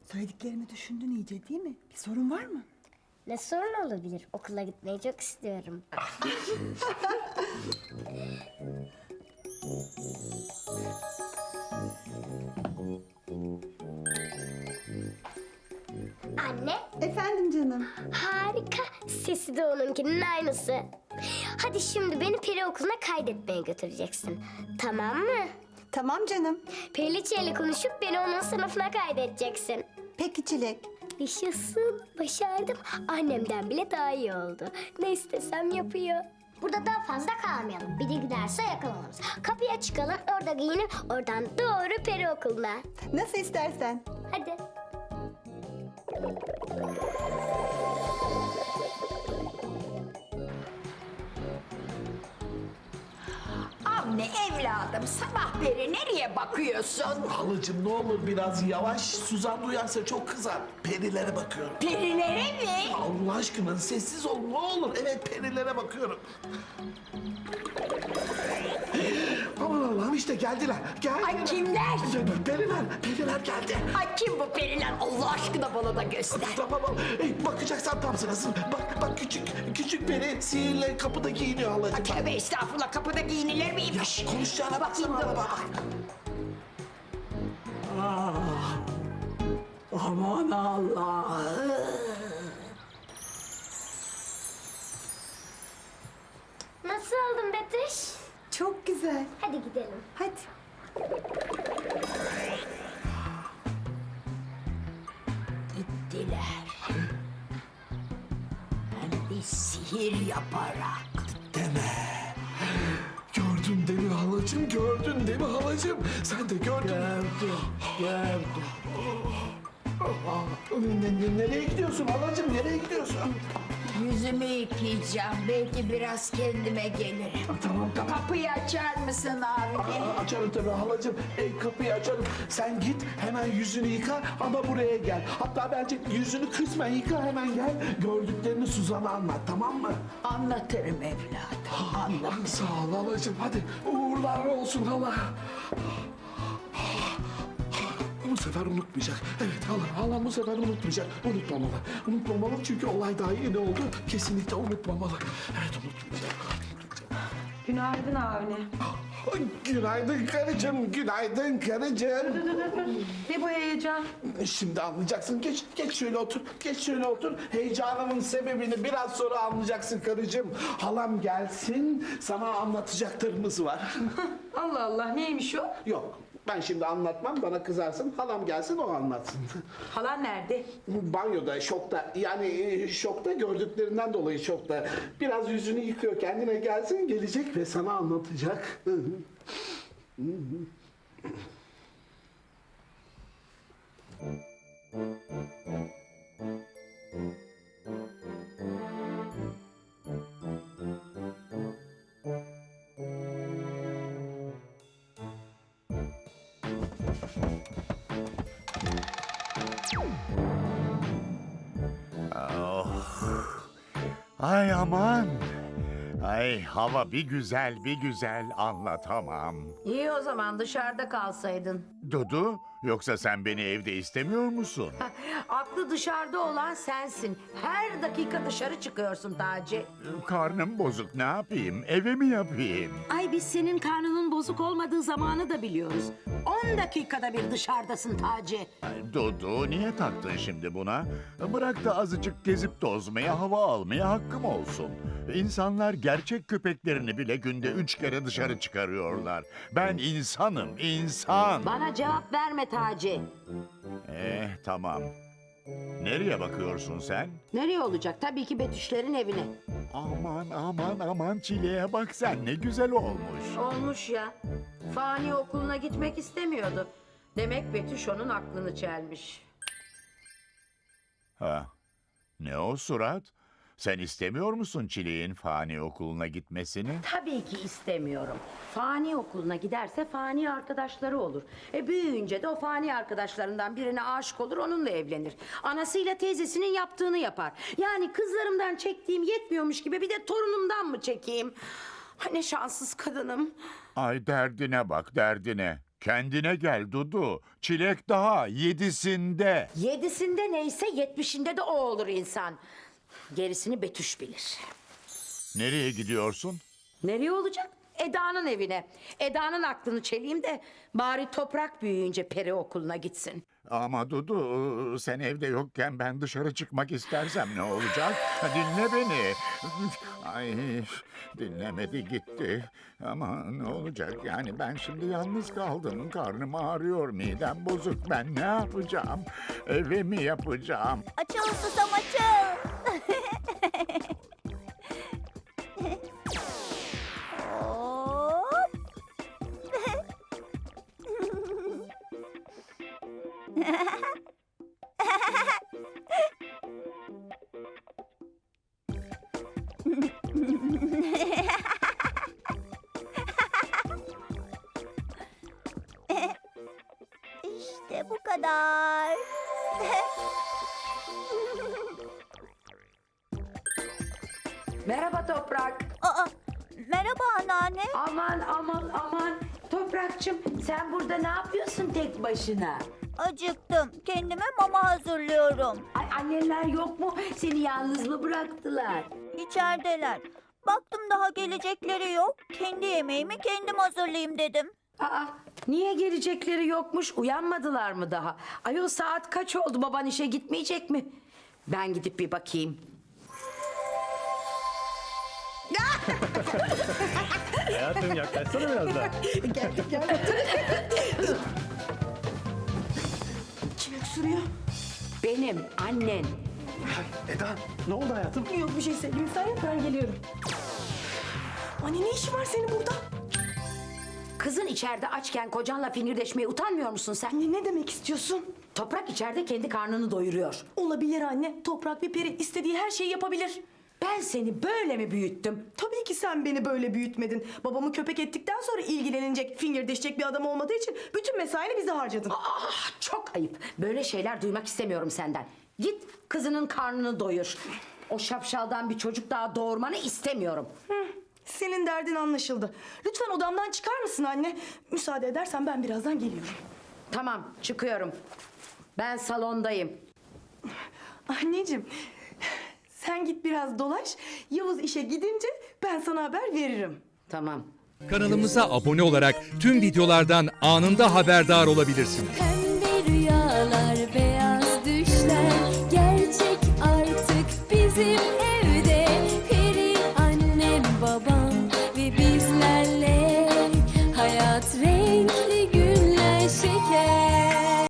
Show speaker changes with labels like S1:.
S1: Söylediklerimi düşündün iyice değil mi? Bir sorun var mı?
S2: Ne sorun olabilir? Okula gitmeyi çok istiyorum. Anne,
S1: Efendim canım.
S2: harika. Sesi de onunkinin aynısı. Hadi şimdi beni peri okuluna kaydetmeye götüreceksin. Tamam mı?
S1: Tamam canım.
S2: Periliçe ile konuşup beni onun sınıfına kaydedeceksin.
S1: Peki Çilek.
S2: Yaşasın, başardım. Annemden bile daha iyi oldu. Ne istesem yapıyor. Burada daha fazla kalmayalım. Biri giderse yakalanırız. Kapıya çıkalım, orada giyinip oradan doğru peri okuluna.
S1: Nasıl istersen.
S2: Hadi.
S3: Avni evladım sabah beri nereye bakıyorsun?
S4: Halacığım ne olur biraz yavaş. Suzan duyarsa çok kızar. Perilere bakıyorum.
S3: Perilere mi?
S4: Allah aşkına sessiz ol ne olur. Evet perilere bakıyorum. Aman Allah'ım işte geldiler. Geldiler.
S3: Ay kimler?
S4: Periler geldi.
S3: Ay kim bu periler? Allah aşkına bana da göster.
S4: Tamam. Bakacaksan tam sırası. Bak küçük peri sihirle kapıda giyiniyor halacığım.
S3: Tövbe estağfurullah kapıda giyinilir miymiş?
S4: Konuşacağına
S3: Bakayım
S4: baksana
S3: dur.
S4: bak.
S3: Aman Allah.
S2: Nasıl oldun Betüş?
S1: Çok güzel.
S2: Hadi gidelim.
S1: Hadi.
S3: Gittiler. Hem de sihir yaparak.
S4: Deme. Gördün değil mi halacığım? Gördün değil mi halacığım? Sen de gördün.
S3: Gördüm.
S4: Nereye gidiyorsun halacığım? Nereye gidiyorsun?
S3: Yüzümü yıkayacağım. Belki biraz kendime gelirim.
S4: Tamam.
S3: Kapıyı açar mısın abi?
S4: Açarım tabii halacığım. Kapıyı açarım. Sen git hemen yüzünü yıka ama buraya gel. Hatta bence yüzünü kısmen yıka hemen gel. Gördüklerini Suzan'a anlat tamam mı?
S3: Anlatırım evladım. Anlatırım.
S4: Sağ ol halacığım. Hadi uğurlar olsun hala. Bu sefer unutmayacak. Evet halam bu sefer unutmayacak. Unutmamalı çünkü olay daha yeni oldu. Kesinlikle unutmamalı. Evet unutmayacak.
S5: Günaydın Avni.
S4: Günaydın karıcığım, günaydın karıcığım.
S5: Ne bu heyecan?
S4: Şimdi anlayacaksın. Geç şöyle otur. Geç şöyle otur. Heyecanımın sebebini biraz sonra anlayacaksın karıcığım. Halam gelsin. Sana anlatacaklarımız var.
S5: Allah Allah neymiş o?
S4: Yok. Ben şimdi anlatmam. Bana kızarsın. Halam gelsin o anlatsın.
S5: Halan nerede?
S4: Banyoda, şokta. Yani şokta gördüklerinden dolayı şokta. Biraz yüzünü yıkıyor. Kendine gelsin. Gelecek ve sana anlatacak.
S6: Ay aman. Ay hava bir güzel anlatamam.
S5: İyi o zaman dışarıda kalsaydın.
S6: Dudu, yoksa sen beni evde istemiyor musun?
S5: Aklı dışarıda olan sensin. Her dakika dışarı çıkıyorsun Taci.
S6: Karnım bozuk, ne yapayım? Eve mi yapayım?
S7: Ay biz senin karnının bozuk olmadığı zamanı da biliyoruz. 10 dakikada bir dışarıdasın Taci.
S6: Ay, Dudu, niye taktın şimdi buna? Bırak da azıcık gezip tozmaya, hava almaya hakkım olsun. İnsanlar gerçek köpeklerini bile günde 3 kere dışarı çıkarıyorlar. Ben insanım, insan.
S7: Bana cevap verme Taci.
S6: Tamam. Nereye bakıyorsun sen?
S7: Nereye olacak? Tabii ki Betüşlerin evine.
S6: Aman çileğe bak sen, ne güzel olmuş.
S5: Olmuş ya. Fani okuluna gitmek istemiyordu. Demek Betüş onun aklını çelmiş.
S6: Ha, ne o surat? Sen istemiyor musun Çileğin fani okuluna gitmesini?
S7: Tabii ki istemiyorum. Fani okuluna giderse fani arkadaşları olur. Büyüyünce de o fani arkadaşlarından birine aşık olur, onunla evlenir. Anasıyla teyzesinin yaptığını yapar. Yani kızlarımdan çektiğim yetmiyormuş gibi bir de torunumdan mı çekeyim? Ay ne şanssız kadınım.
S6: Ay derdine bak, derdine. Kendine gel Dudu. Çilek daha 7'sinde.
S7: 7'sinde neyse 70'inde de o olur insan. Gerisini Betüş bilir.
S6: Nereye gidiyorsun?
S7: Nereye olacak? Eda'nın evine. Eda'nın aklını çeleyim de bari Toprak büyüyünce peri okuluna gitsin.
S6: Ama Dudu, sen evde yokken ben dışarı çıkmak istersem ne olacak? Dinle beni. Ay, dinlemedi gitti. Ama ne olacak yani, ben şimdi yalnız kaldım. Karnım ağrıyor, midem bozuk. Ben ne yapacağım? Eve mi yapacağım?
S8: Açıl susam açıl. Hop. İşte bu kadar.
S7: Merhaba Toprak.
S8: Aa, merhaba anneanne.
S7: Aman aman aman. Toprakçım sen burada ne yapıyorsun tek başına?
S8: Acıktım. Kendime mama hazırlıyorum.
S7: Ay anneler yok mu? Seni yalnız mı bıraktılar?
S8: İçerideler. Baktım daha gelecekleri yok. Kendi yemeğimi kendim hazırlayayım dedim.
S7: Aa, niye gelecekleri yokmuş? Uyanmadılar mı daha? Ayol saat kaç oldu? Baban işe gitmeyecek mi? Ben gidip bir bakayım.
S9: Hayatım yaklaşsana biraz daha.
S1: Kim öksürüyor?
S7: Benim annen.
S4: Eda, ne oldu hayatım?
S1: Yok bir şey Selim. Sen yap, ben geliyorum. Anne ne işi var senin burada?
S7: Kızın içeride açken kocanla fingirdeşmeye utanmıyor musun sen?
S1: Anne ne demek istiyorsun?
S7: Toprak içeride kendi karnını doyuruyor.
S1: Olabilir anne. Toprak bir peri, istediği her şeyi yapabilir.
S7: Ben seni böyle mi büyüttüm?
S10: Tabii ki sen beni böyle büyütmedin. Babamı köpek ettikten sonra ilgilenecek, fingirdeşecek bir adam olmadığı için bütün mesaini bize harcadın.
S7: Ah, çok ayıp. Böyle şeyler duymak istemiyorum senden. Git kızının karnını doyur. O şapşaldan bir çocuk daha doğurmanı istemiyorum.
S10: Senin derdin anlaşıldı. Lütfen odamdan çıkar mısın anne? Müsaade edersen ben birazdan geliyorum.
S7: Tamam, çıkıyorum. Ben salondayım.
S10: Anneciğim, sen git biraz dolaş. Yavuz işe gidince ben sana haber veririm.
S7: Tamam.
S11: Kanalımıza abone olarak tüm videolardan anında haberdar olabilirsiniz.
S8: Pembe